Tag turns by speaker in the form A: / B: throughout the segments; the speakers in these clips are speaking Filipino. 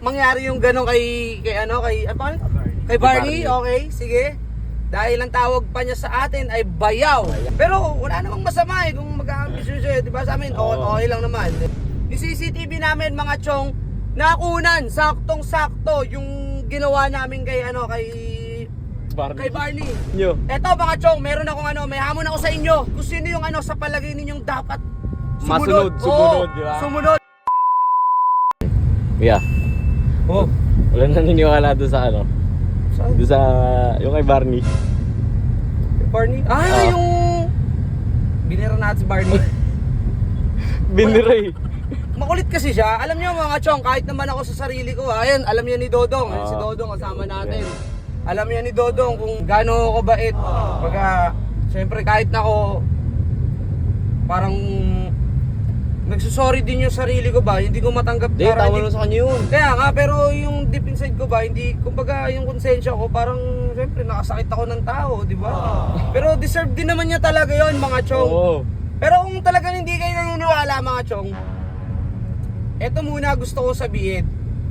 A: mangyari yung gano'n kay Barney, okay, sige. Dahil ang tawag pa niya sa atin ay bayaw. Pero wala namang masama kung mag-aambisyon siya, di ba sa amin? Okay lang naman. Yung CCTV namin mga chong, nakunan, saktong-sakto yung ginawa namin kay Barney. Eto mga chong, meron akong may hamon ako sa inyo. Kung sino yung sa palagay ninyong dapat sumunod.
B: Di ba?
A: Sumunod.
B: Yeah.
A: Oh.
B: Wala naniniwala doon sa
A: Saan?
B: Doon sa, yung kay Barney.
A: Barney? Yung binira natin si Barney.
B: Biniray.
A: Makulit kasi siya. Alam niyo mga chong, kahit naman ako sa sarili ko, ayan, alam niya ni Dodong. Si Dodong kasama natin. Alam niya ni Dodong kung gaano ako bait. Pagka, siyempre kahit na ako, parang nagsusorry din yung sarili ko ba, hindi ko matanggap.
B: Hindi, tama lang sa kanya yun.
A: Kaya nga, pero yung deep inside ko ba, hindi, kumbaga yung konsensya ko, parang, siyempre, nakasakit ako ng tao, di ba? Pero deserve din naman niya talaga yon mga chong. Pero kung talagang hindi kayo naniniwala mga chong, eto muna gusto ko sabihin.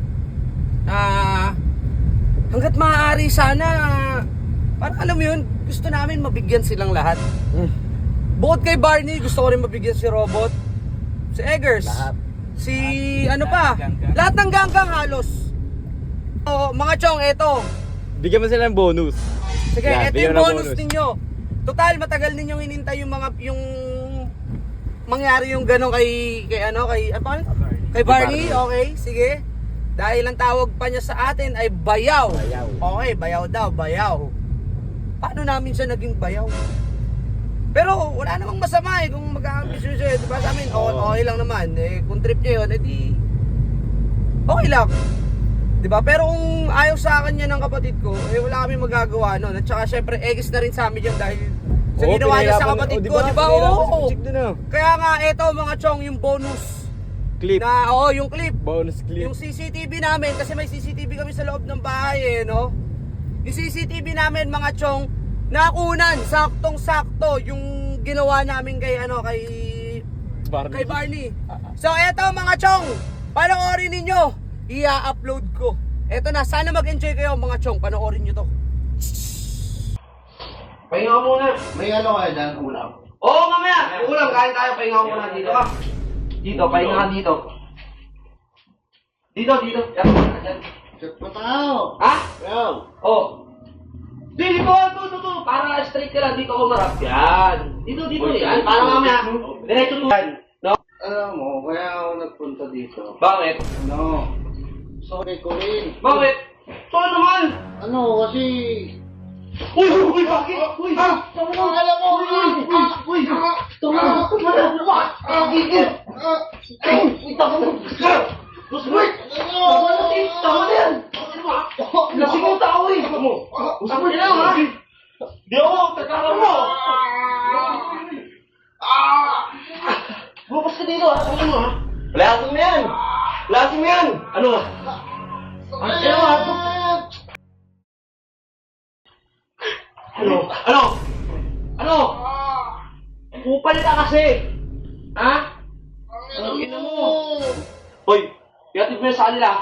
A: Hanggat maaari sana, parang alam mo yun, gusto namin mabigyan silang lahat. Bukod kay Barney, gusto ko rin mabigyan si Robot, si Eggers,
B: Lahat.
A: si lahat ng ganggang halos. Mga chong, eto.
B: Bigyan mo sila ng bonus.
A: Sige,
B: Yan,
A: eto
B: bigyan
A: yung
B: mo ng
A: bonus ninyo. Total, matagal ninyong hinintay yung mangyari yung gano'n kay Barney, okay, sige. Dahil ang tawag pa niya sa atin ay bayaw. Okay, bayaw daw, bayaw. Paano namin siya naging bayaw? Pero wala namang masama kung mag-aambisyon siya, di ba sa amin? Okay lang naman. Kung trip niya yun, edi okay lang. Di ba? Pero kung ayaw sa akin niya ng kapatid ko, wala kami magagawa nun. At saka syempre, eggs na rin sa amin yun dahil sa ginawa niya sa kapatid ko, di ba? Kaya nga, eto mga chong, yung bonus
B: Clip.
A: yung clip.
B: Bonus clip.
A: Yung CCTV namin, kasi may CCTV kami sa loob ng bahay no? Yung CCTV namin mga chong, nakunan, saktong-sakto yung ginawa namin kay Barney. So eto mga chong, panoorin ninyo, i-upload ko. Eto na, sana mag-enjoy kayo mga chong, panoorin nyo to. Pahinga muna.
C: May kaya dyan, ulam?
A: Oo, mamaya, ulam, kain tayo, pahinga muna dito ka. Dito, pahinga ka dito. Dito. Yan.
C: Check pa tao.
A: Ha?
C: Yo.
A: Oh. Dito. Para straight ka lang dito ako marap. Yan. Dito yan. Para mamaya. Diretso to. No?
C: Alam mo, kaya ako nagpunta dito.
A: Bakit?
C: Sorry ko rin.
A: Bakit? So naman.
C: Kasi...
A: Uy, bakit? Uy,
C: alam mo! Uy!
A: Tama na yan! Lasing yung tao eh! Usap niya lang ha! Di ako! Tagkakaroon mo! Bukas ka dito ha! Sabi mo ha! Lasing mo yan! Lasing mo yan! Ano? Ano? Kupal ka kasi! Ha? Ano ina mo? Hoy! Iatid mo yan sa kanila!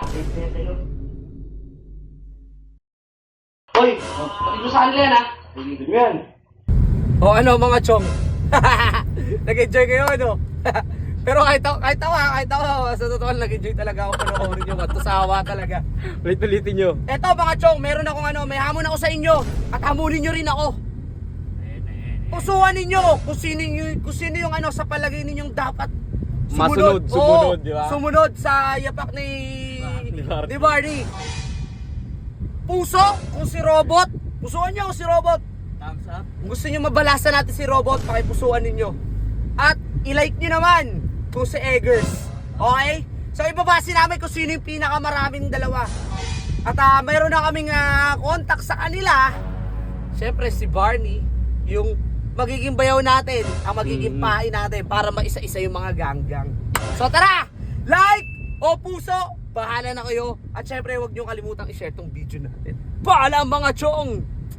A: Hoy! Iatid mo sa kanila yan ha! Iatid mo yan! O ano mga chong? Nag-enjoy kayo ano? Pero kahit ako, sa totoo lang nag-enjoy talaga ako panoorin nyo. Matusawa talaga.
B: Ulit-ulitin nyo.
A: Eto mga chong, meron akong may hamon ako sa inyo. At hamunin nyo rin ako. Pusuan ninyo kung sino yung sa palagay ninyong dapat
B: Sumunod, di ba?
A: Sumunod sa yapak ni Barney. Puso kung si Robot. Pusuan nyo kung si Robot.
B: Thumbs up.
A: Kung gusto nyo mabalasan natin si Robot, pakipusuan ninyo. At i-like nyo naman kung si Eggers. Okay? So ibabase namin kung sino yung pinakamaraming dalawa. At mayroon na kaming contact sa kanila. Siyempre si Barney, yung magiging bayaw natin, ang magiging pain natin para maisa-isa yung mga ganggang. So tara! Like o puso, bahala na kayo. At syempre huwag nyo kalimutang i-share tong video natin. Paalam mga chong!